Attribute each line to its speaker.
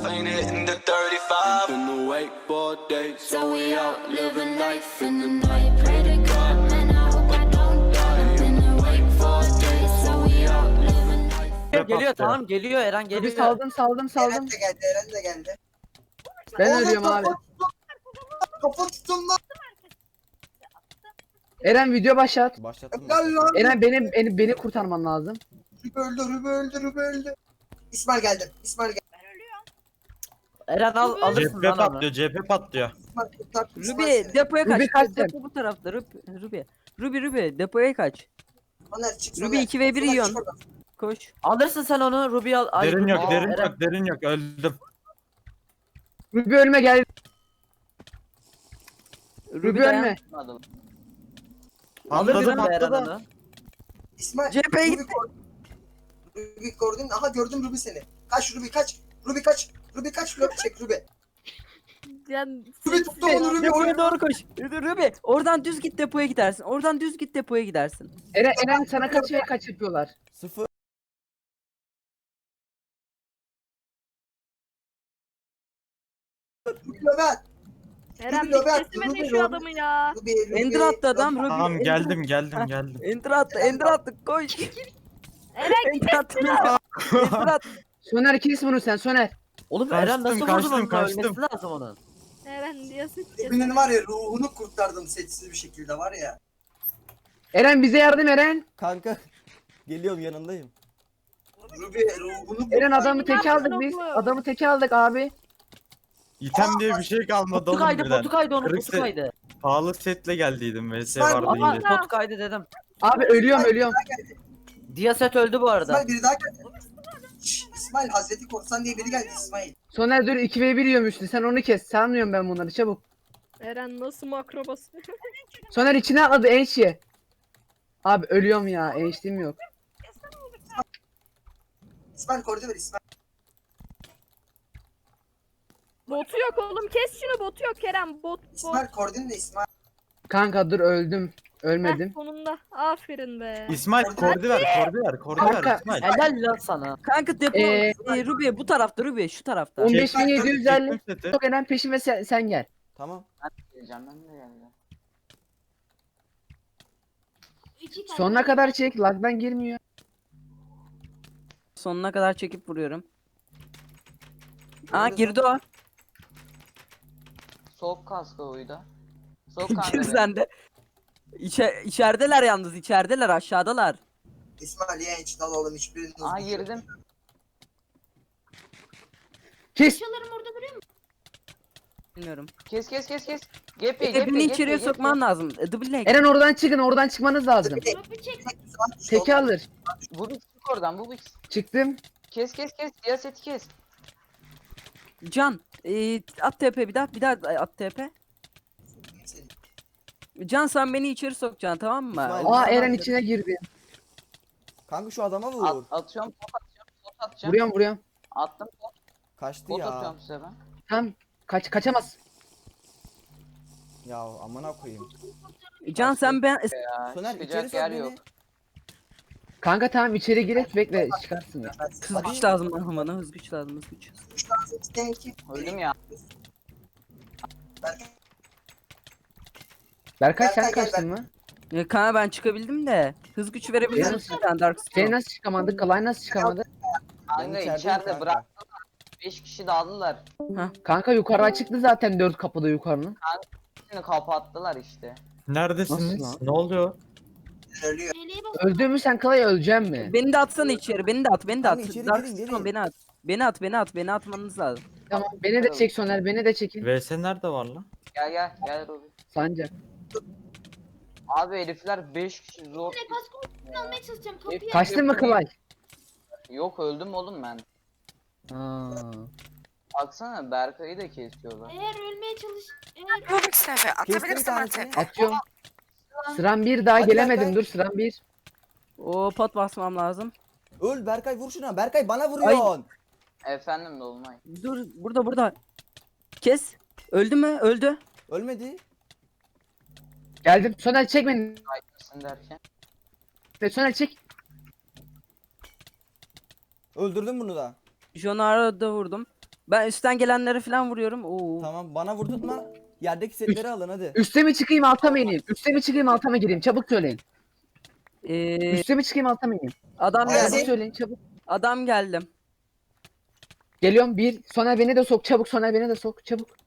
Speaker 1: ain't hitting the 35. Been awake for days, so we out living life in the night. Pray to God, man, I hope I don't die. Been awake for days, so we out living life.
Speaker 2: Geliyor tamam geliyor Eren
Speaker 3: Bir
Speaker 2: geliyor.
Speaker 3: saldım.
Speaker 4: Eren de geldi, Eren de geldi.
Speaker 3: Ben
Speaker 4: Oğlum,
Speaker 3: ölüyorum abi.
Speaker 4: Kafa tutun lan.
Speaker 3: Eren video başlat.
Speaker 5: Başlattım.
Speaker 4: Gel lan.
Speaker 3: Eren beni kurtarman lazım.
Speaker 4: Rübe öldü. İsmail geldi. İsmail geldi.
Speaker 2: Eren alırsın
Speaker 6: Cephe
Speaker 2: lan onu.
Speaker 6: patlıyor, cephe patlıyor.
Speaker 4: İsmail kurtar.
Speaker 7: Ruby depoya kaç.
Speaker 3: Ruby kaç sen?
Speaker 7: Depo bu tarafta. Ruby depoya kaç.
Speaker 4: Soner çık.
Speaker 7: Ruby 2v1 yiyorsun. Koş.
Speaker 2: Alırsın sen onu Ruby al. Ay,
Speaker 6: Derin yok,
Speaker 2: Aa,
Speaker 6: derin
Speaker 2: Eren.
Speaker 6: yok, derin yok. Öldüm.
Speaker 3: Ruby ölme gel. Ruby
Speaker 7: dayan.
Speaker 3: ölme.
Speaker 2: Alırsın
Speaker 6: Patladı,
Speaker 2: be Eren
Speaker 6: patladı.
Speaker 2: onu.
Speaker 4: İsmail.
Speaker 7: Cephe
Speaker 4: Ruby gördün. Aha gördüm Ruby seni. Kaç Ruby kaç. Ruby kaç. Ruby kaç. Ruby çek Ruby.
Speaker 8: Yani
Speaker 4: Ruby tuttu onu Ruby.
Speaker 7: Depoya doğru koş. Ruby oradan düz git depoya gidersin. Oradan düz git depoya gidersin.
Speaker 3: Eren sana kaç yapıyorlar.
Speaker 5: 0.
Speaker 4: Ruby Löbet.
Speaker 8: Eren
Speaker 4: Ruby Löbet.
Speaker 8: teslim edin şu adamı ya.
Speaker 4: Ruby.
Speaker 7: Ender attı adam. Ruby.
Speaker 6: Tamam
Speaker 7: Ender-
Speaker 6: geldim,
Speaker 7: Ha.
Speaker 6: geldim.
Speaker 7: Ender attı. Koş.
Speaker 8: Eren
Speaker 7: Ender attı. Ender attı.
Speaker 3: Soner kes bunu sen Soner.
Speaker 2: Oğlum
Speaker 6: Kaçtım,
Speaker 2: Eren nasıl vurdu
Speaker 6: kaçtım,
Speaker 2: onu?
Speaker 6: kaçtım.
Speaker 2: Ölmesi lazım onun.
Speaker 8: Eren diyorsun ki.
Speaker 4: Ruby'nin var ya ruhunu kurtardım sessiz bir şekilde var ya.
Speaker 3: Eren bize yardım Eren.
Speaker 5: Kanka. Geliyorum yanındayım.
Speaker 4: Ruby ruhunu
Speaker 3: Eren adamı
Speaker 8: Ne
Speaker 3: teke
Speaker 8: yaptın
Speaker 3: aldık biz.
Speaker 8: oğlum?
Speaker 3: Adamı teke aldık abi.
Speaker 6: İtem diye bir şey kalmadı
Speaker 2: Potu
Speaker 6: oğlum
Speaker 2: kaydı
Speaker 6: birden.
Speaker 2: potu kaydı onu
Speaker 6: Kırık
Speaker 2: potu
Speaker 6: set-
Speaker 2: kaydı.
Speaker 6: Pahalı setle geldiydim, VS
Speaker 4: İsmail,
Speaker 6: vardı
Speaker 2: Ama
Speaker 6: yine.
Speaker 2: potu kaydı dedim.
Speaker 3: Abi ölüyorum.
Speaker 2: Diyaset öldü bu arada.
Speaker 4: İsmail biri daha geldi. Şşş, İsmail Hazreti Korsan diye biri geldi İsmail.
Speaker 3: Soner dur 2v1 yiyormuştu. Sen onu kes. Sanmıyorum ben bunları çabuk.
Speaker 8: Eren nasıl makro basıyor?
Speaker 3: Soner içine atladı enşi. Abi ölüyorum ya. Enşliğim yok.
Speaker 4: İsmail koridor ver İsmail.
Speaker 8: Botu yok oğlum, kes şunu, botu yok Kerem, bot.
Speaker 4: İsmail koordin de İsmail.
Speaker 3: Kanka dur öldüm.
Speaker 8: Heh,
Speaker 3: Ölmedim.
Speaker 8: sonunda aferin be.
Speaker 6: İsmail kordi ver, kordi ver
Speaker 3: Kanka,
Speaker 6: İsmail.
Speaker 2: Helal lan sana.
Speaker 7: Kanka depo. Ruby bu tarafta Ruby şu tarafta.
Speaker 3: 15.750.
Speaker 6: Çektim seti.
Speaker 3: Çok Eren peşime sen gel.
Speaker 5: Tamam.
Speaker 2: Geleceğim ben de geldim.
Speaker 3: Sonuna kadar çek. Lag'dan girmiyor.
Speaker 7: Sonuna kadar çekip vuruyorum. Aa girdi o.
Speaker 9: Soğuk kaskı oydu. Soğuk
Speaker 7: Gir
Speaker 9: kaskı.
Speaker 7: sen de. İçerideler yalnız içerideler aşağıdalar.
Speaker 4: İsmail yenç dal oğlum hiçbirinin
Speaker 9: Aa girdim.
Speaker 3: Kes.
Speaker 7: Bilmiyorum.
Speaker 9: Kes. Gap ye,
Speaker 7: Birini içeriye sokman lazım. Double leg.
Speaker 3: Eren oradan çıkın. Oradan çıkmanız lazım. Teki alır.
Speaker 9: Bu bir çık oradan, bu bir
Speaker 3: Çıktım.
Speaker 9: kes. Siyaseti kes.
Speaker 7: Can. At TP bir daha at TP. Can sen beni içeri sokacaksın tamam mı?
Speaker 5: İsmail.
Speaker 3: Aa Eren içine girdi.
Speaker 5: Kanka şu adama vur.
Speaker 9: Atıyorum, pot atacağım.
Speaker 3: Vuruyorum.
Speaker 9: Attım,
Speaker 5: Kaçtı
Speaker 9: pot
Speaker 5: ya.
Speaker 9: atıyorum size ben.
Speaker 3: Tam kaçamaz.
Speaker 5: Ya amına koyayım.
Speaker 7: Can sen ben
Speaker 9: Ya,
Speaker 5: Soner içeri
Speaker 9: çıkacak
Speaker 5: sok
Speaker 9: yer
Speaker 5: beni.
Speaker 9: yok.
Speaker 3: Kanka tamam içeri girek bekle çıkarsın ya.
Speaker 7: hız güç lazım bana hız güç lazım hız güç.
Speaker 9: Öldüm ya.
Speaker 3: Berkay sen
Speaker 4: Berkay, gel,
Speaker 3: kaçtın mı?
Speaker 7: Ya kanka ben çıkabildim de hız gücü verebilir
Speaker 3: Benim-
Speaker 7: misin sen Dark
Speaker 3: Şey
Speaker 7: Souls?
Speaker 3: nasıl çıkamadı? Kalay nasıl çıkamadı?
Speaker 9: Kanka
Speaker 5: içerideyim
Speaker 9: içeride
Speaker 5: kanka.
Speaker 9: bıraktılar. 5 kişi dağıldılar.
Speaker 3: Kanka yukarı çıktı zaten 4 kapıda yukarının.
Speaker 9: Şimdi kapattılar işte.
Speaker 6: Neredesiniz?
Speaker 3: Nasıl lan?
Speaker 6: Ne oluyor?
Speaker 4: Ölüyor.
Speaker 3: Öldün mü sen Kalay öleceksin mi?
Speaker 7: Beni de atsana içeri beni de at
Speaker 5: Kanka içeri
Speaker 7: Dark
Speaker 5: gelin,
Speaker 7: Souls
Speaker 5: gelin.
Speaker 7: beni at. Beni atmanız lazım.
Speaker 3: Tamam beni de çek Soner beni de çekin.
Speaker 6: VS nerede var lan?
Speaker 9: Gel Robi.
Speaker 3: Sancak.
Speaker 9: Abi herifler 5 kişi zor.
Speaker 8: almaya çalışacağım
Speaker 9: Hep-
Speaker 3: Kaçtın mı Kalay?
Speaker 9: Yok öldüm oğlum ben.
Speaker 3: Aa.
Speaker 9: Baksana Berkay'ı da kesiyorlar.
Speaker 8: Eğer ölmeye çalış...
Speaker 5: Kestim bir tanesini.
Speaker 3: Atıyorum. Sıram bir daha
Speaker 5: Hadi
Speaker 3: gelemedim
Speaker 5: Berkay.
Speaker 3: dur sıram bir.
Speaker 7: O pot basmam lazım.
Speaker 5: Öl Berkay vur şuna. Berkay bana vuruyorsun.
Speaker 9: Efendim Dolunay.
Speaker 7: Dur burada. Kes. Öldü mü? Öldü.
Speaker 5: Ölmedi.
Speaker 3: Geldim. Soner çek beni.
Speaker 9: Kaygısın derken.
Speaker 3: Soner çek.
Speaker 5: Öldürdüm bunu da.
Speaker 7: Jonar'a da vurdum. Ben üstten gelenlere falan vuruyorum. Oo.
Speaker 5: Tamam bana vurdurtma. Yerdeki setleri alın hadi.
Speaker 3: Üste mi çıkayım alta mı ineyim? Üste mi çıkayım alta mı gireyim? Çabuk söyleyin.
Speaker 7: Ee,
Speaker 3: Üste mi çıkayım alta mı ineyim?
Speaker 7: adam
Speaker 4: Ay,
Speaker 3: Çabuk
Speaker 7: geldi.
Speaker 3: söyleyin çabuk.
Speaker 7: Adam geldim.
Speaker 3: Geliyorum bir. Soner beni de sok çabuk. Soner beni de sok çabuk.